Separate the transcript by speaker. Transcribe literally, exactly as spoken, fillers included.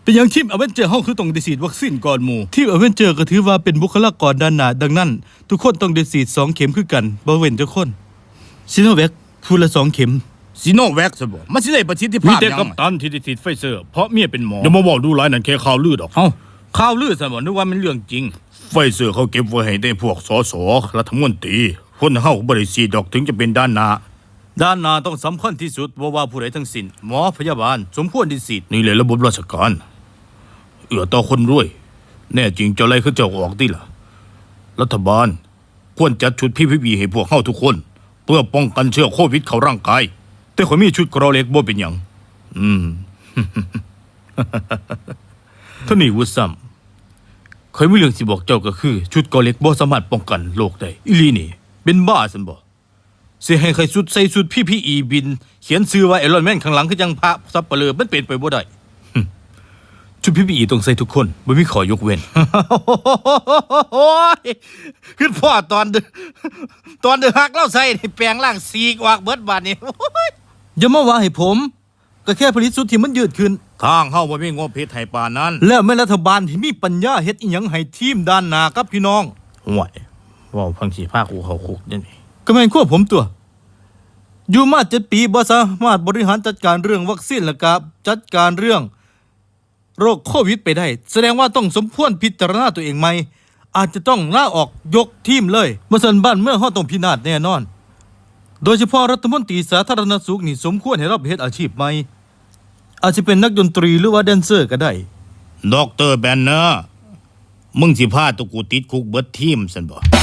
Speaker 1: เป็นอย่างทีมอเวนเจอร์เฮาคือต้องได้ฉีดวัคซีนก่อนหมู่ทีมอเวนเจอร์ก็ถือว่าเป็นบุคลากรด้านหน้าดังนั้นทุกคนต้องได้ฉีดสองเข็มคือกันบ่เว้นจักคนซิโนแวคผู้ละสองเข็ม
Speaker 2: ซิโนแวคซะบ่มันสิได้ประสิทธิภาพมีแต่กัปตันที่ได้ฉีดไฟเซอร์เพราะเมียเป็นหมออย่ามาบอกดูหลายนั่นแค่ข่าวลือดอก
Speaker 1: เอ้าข่าวลือซะบ่นึกว่ามันเรื่องจริง
Speaker 2: ไฟเซอร์เขาเก็บไว้ให้ได้พวกสสรัฐมนตรีคนเฮาบ่ได้ฉีดดอกถึงจะเป็นด้านหน้า
Speaker 1: ด้านหน้าต้องสำคัญที่สุดบ่ว่าผู้ใดทั้งสิ้นหมอพยาบาลสมควรได้ฉีด
Speaker 2: นี่แหละระบบราชการเอื้อต่อคนรวยแน่จริงเจ้าไรคือเจ้าออกติล่ะรัฐบาลควรจัดชุด พี พี อี ให้พวกเฮาทุกคนเพื่อป้องกันเชื้อโควิดเข้าร่างกายแต่ข่อยมีชุดกรอเล็กบ่เป็นหยังอืม
Speaker 1: ท่านี่วุฒิซ้ำข่อยมีเรื่องสิบอกเจ้าก็คือชุดกรอเล็กบ่สามารถป้องกันโรคได้อีหลีนี่เป็นบ้าซั่นบ่สิให้ใครชุดใส่ชุด พี พี อี บินเขียนชื่อว่าไอรอนแมนข้างหลังคือจังพระสัปเหร่อมันเป็นไปบ่ได้ชุด พี พี อี ต้องใส่ทุกคนบ่มีข้อยกเว้นโอ้ยคือพ่อตอนตอนเดือฮักเราใส่แปลงร่างสีกวากเบิดบาดนี้อย่ามาว่าให้ผมก็แค่ผลิตชุดที่มันยืดขึ้น
Speaker 2: ทางเฮาบ่มีงบเฮ็ดให้ปานนั้น
Speaker 1: แล้วแม่รัฐบาลที่มีปัญญาเฮ็ดอีหยังให้ทีมด้านหน้ากับพี่น้อง
Speaker 2: ห่วยเว้าพังสิพากูเข้าคุกจังได๋
Speaker 1: ก็แม่นควบผมตัวอยู่มาเจ็ดปีบ่สามารถบริหารจัดการเรื่องวัคซีนและกับจัดการเรื่องโรคโควิดไปได้แสดงว่าต้องสมควรพิจารณาตัวเองใหม่อาจจะต้องลาออกยกทีมเลยบ่ซั่นบ้านเมืองเฮาต้องพินาศแน่นอนโดยเฉพาะรัฐมนตรีสาธารณสุขนี่สมควรให้รับเฮ็ดอาชีพใหม่อาจจะเป็นนักดนตรีหรือว่าแดนเซอร์ก็ได้
Speaker 2: ดร.แบนเนอร์มึงสิพาตัวกูติดคุกเบิดทีมซั่นบ่